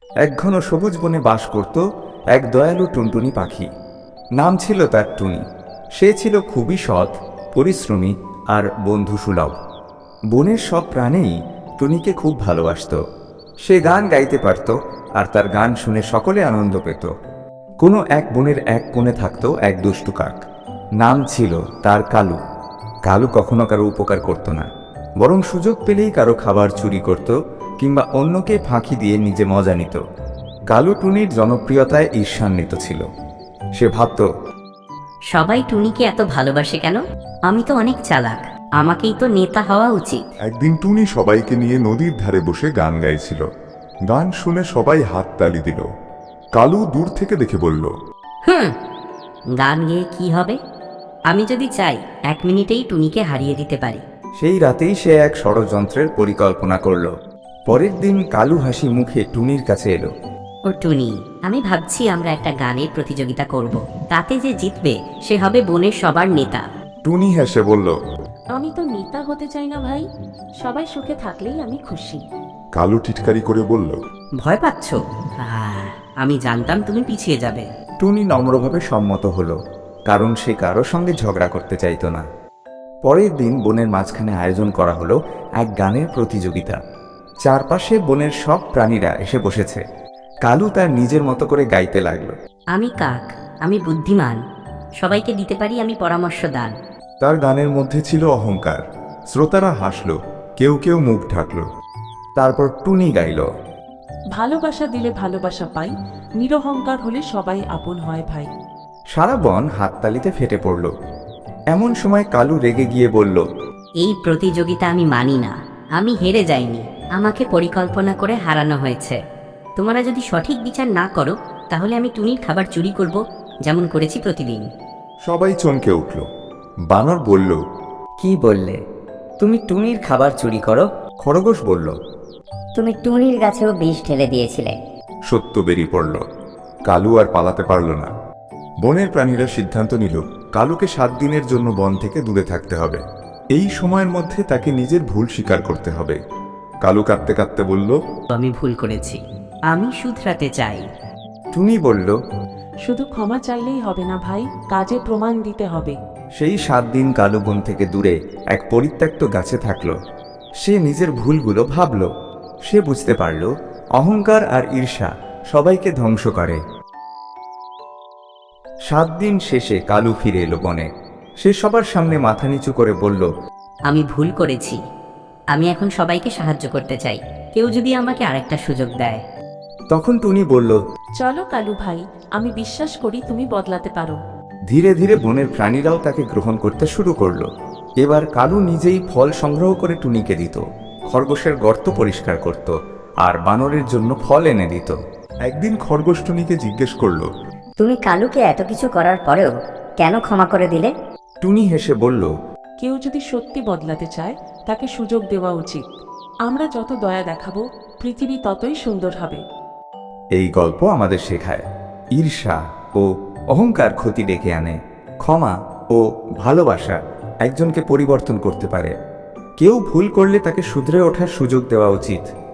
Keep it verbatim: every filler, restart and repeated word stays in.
এক ঘন সবুজ বনে বাস করত এক দয়ালু টুনটুনি পাখি। নাম ছিল তার টুনি। সে ছিল খুবই সৎ, পরিশ্রমী আর বন্ধুসুলভ। বনের সব প্রাণীই টুনিকে খুব ভালোবাসত। সে গান গাইতে পারত, আর তার গান শুনে সকলে আনন্দ পেত। কোনো এক বনের এক কোণে থাকত এক দুষ্টু কাক। নাম ছিল তার কালু। কালু কখনো কারো উপকার করত না, বরং সুযোগ পেলেই কারো খাবার চুরি করত কিংবা অন্যকে ফাঁকি দিয়ে নিজে মজা নিত। কালু টুনির জনপ্রিয়তায় ঈর্ষান্বিত ছিল। সে ভাবত, সবাই টুনিকে এত ভালোবাসে কেন? আমি তো অনেক চালাক, আমাকেই তো নেতা হওয়া উচিত। একদিন টুনি সবাইকে নিয়ে নদীর ধারে বসে গান গাইছিল। গান শুনে সবাই হাততালি দিল। কালু দূর থেকে দেখে বলল, হুম, গান গেয়ে কি হবে? আমি যদি চাই এক মিনিটেই টুনিকে হারিয়ে দিতে পারি। সেই রাতেই সে এক ষড়যন্ত্রের পরিকল্পনা করল। পরের দিন কালু হাসি মুখে টুনির কাছে এলো। ও টুনি, আমি ভাবছি আমরা একটা গানের প্রতিযোগিতা করব। তাতে যে জিতবে সে হবে বনের সবার নেতা। টুনি হেসে বলল। আমি তো নেতা হতে চাই না ভাই, সবাই সুখে থাকলেই আমি খুশি। কালু টিটকারি করে বলল, ভয় পাচ্ছ? আহ, আমি জানতাম তুমি পিছিয়ে যাবে। টুনি নম্রভাবে সম্মত হলো, কারণ সে কারো সঙ্গে ঝগড়া করতে চাইতো না। পরের দিন বনের মাঝখানে আয়োজন করা হলো এক গানের প্রতিযোগিতা। চারপাশে বনের সব প্রাণীরা এসে বসেছে। কালু তার নিজের মতো করে গাইতে লাগলো। আমি কাক, আমি বুদ্ধিমান, সবাইকে দিতে পারি আমি পরামর্শ দান। তার গানের মধ্যে ছিল অহংকার। শ্রোতারা হাসল, কেউ কেউ মুখ ঢাকল। তারপর টুনি গাইল। ভালোবাসা দিলে ভালোবাসা পাই, নিরহংকার হলে সবাই আপন হয় ভাই। সারা বন হাততালিতে ফেটে পড়ল। এমন সময় কালু রেগে গিয়ে বলল, এই প্রতিযোগিতা আমি মানি না। আমি হেরে যাইনি, আমাকে পরিকল্পনা করে হারানো হয়েছে। তোমরা যদি সঠিক বিচার না করো তাহলে আমি টুনির খাবার চুরি করব, যেমন করেছি প্রতিদিন। সবাই চমকে উঠল। বানর বলল, কি বললে? তুমি টুনির খাবার চুরি করো? খরগোশ বলল। তুমি টুনির গাছেও বিষ ঢেলে দিয়েছিলে। সত্য বেরিয়ে পড়ল। কালু আর পালাতে পারল না। বনের প্রাণীরা সিদ্ধান্ত নিল কালুকে সাত দিনের জন্য বন থেকে দূরে থাকতে হবে। এই সময়ের মধ্যে তাকে নিজের ভুল স্বীকার করতে হবে। কালু কাঁদতে কাঁদতে বলল, আমি ভুল করেছি, আমি শুধরাতে চাই। টুনি বলল, শুধু ক্ষমা চাইলেই হবে না ভাই, কাজে প্রমাণ দিতে হবে। সেই সাত দিন কালু বন থেকে দূরে এক পরিত্যক্ত গাছে থাকল। সে নিজের ভুলগুলো ভাবল। সে বুঝতে পারল অহংকার আর ঈর্ষা সবাইকে ধ্বংস করে। সাত দিন শেষে কালু ফিরে এলো বনে। সে সবার সামনে মাথা নিচু করে বলল, আমি ভুল করেছি, আমি এখন সবাইকে সাহায্য করতে চাই। কেউ যদি আমাকে আরেকটা সুযোগ দেয়। তখন টুনি বলল, চলো কালু ভাই, আমি বিশ্বাস করি তুমি বদলাতে পারো। ধীরে ধীরে বনের প্রাণীরাও তাকে গ্রহণ করতে শুরু করলো। এবার কালু নিজেই ফল সংগ্রহ করে টুনিকে দিত, খরগোশের গর্ত পরিষ্কার করত, আর বানরের জন্য ফল এনে দিত। একদিন খরগোশ টুনিকে জিজ্ঞেস করলো, তুমি কালুকে এত কিছু করার পরেও কেন ক্ষমা করে দিলে? টুনি হেসে বলল, কেউ যদি সত্যি বদলাতে চায় তাকে সুযোগ দেওয়া উচিত। আমরা যত দয়া দেখাবো পৃথিবী ততই সুন্দর হবে। এই গল্প আমাদের শেখায় ঈর্ষা ও অহংকার ক্ষতি ডেকে আনে। ক্ষমা ও ভালোবাসা একজনকে পরিবর্তন করতে পারে। কেউ ভুল করলে তাকে শুধরে ওঠার সুযোগ দেওয়া উচিত।